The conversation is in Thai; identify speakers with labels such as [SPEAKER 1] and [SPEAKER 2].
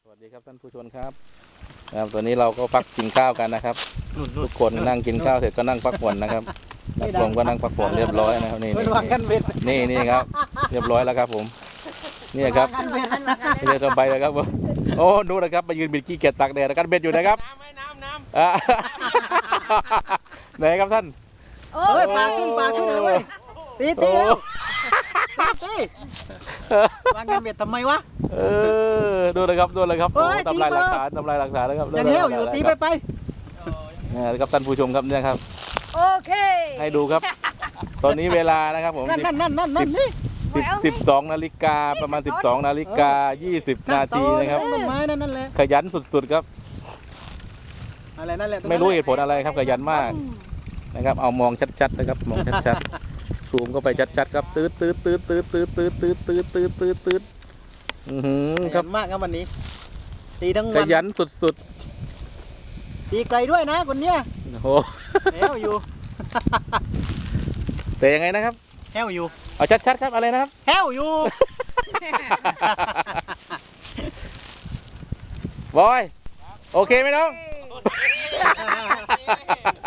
[SPEAKER 1] วัสดีครับท่านผู้ชมครับตอนนี้เราก็พักกินข้าวกันนะครับทุกคนนั่งกินข้าวเสร็จก็นั่งพักผ่อนนะครับนักลงก็นั่งพักผ่อนเรียบร้อยนะครับนี่นี่ครับเรียบร้อยแล้วครับผมนี่ครับนี่เลยสบายเลยครับผมโอ้ดูนะครับมายืนบิดขี้เกียจตักแดดกันเบ็ดอยู่นะครับน้ำไหนครับท่าน
[SPEAKER 2] โอ้ยปลาขึ้นเลยเว้ยตีวางกันเบ็ดทำไมวะ
[SPEAKER 1] ดูเลยครับทำลายหลักฐานนะครับ
[SPEAKER 2] ยังเหี้ยวอยู่ตีไป
[SPEAKER 1] นี่ครับท่านผู้ชมครับเนี่ยครับ
[SPEAKER 3] โอเค
[SPEAKER 1] ให้ดูครับตอนนี้เวลานะครับผม
[SPEAKER 2] นั่นนี่
[SPEAKER 1] 12 นาฬิกาประมาณ12 นาฬิกา 20 นาทีนะครับ
[SPEAKER 2] นั่นแหละ
[SPEAKER 1] ขยันสุดๆครับ
[SPEAKER 2] อะไรนั่นแหละ
[SPEAKER 1] ไม่รู้เหตุผลอะไรครับขยันมากนะครับเอามองชัดๆนะครับมองชัดๆซูมเข้าไปชัดๆครับตืด
[SPEAKER 2] ครับมากครับวันนี้ตีทั้งวัน
[SPEAKER 1] ขยันสุด
[SPEAKER 2] ๆตีไกลด้วยนะคนเนี้ย
[SPEAKER 1] โอ้โห
[SPEAKER 2] แฮวอยู่
[SPEAKER 1] แต่ยังไงนะครับ
[SPEAKER 2] แฮวอยู่
[SPEAKER 1] เอาชัดๆครับอะไรนะครับ
[SPEAKER 2] แฮวอยู่
[SPEAKER 1] บอยโอเคไหมน้อง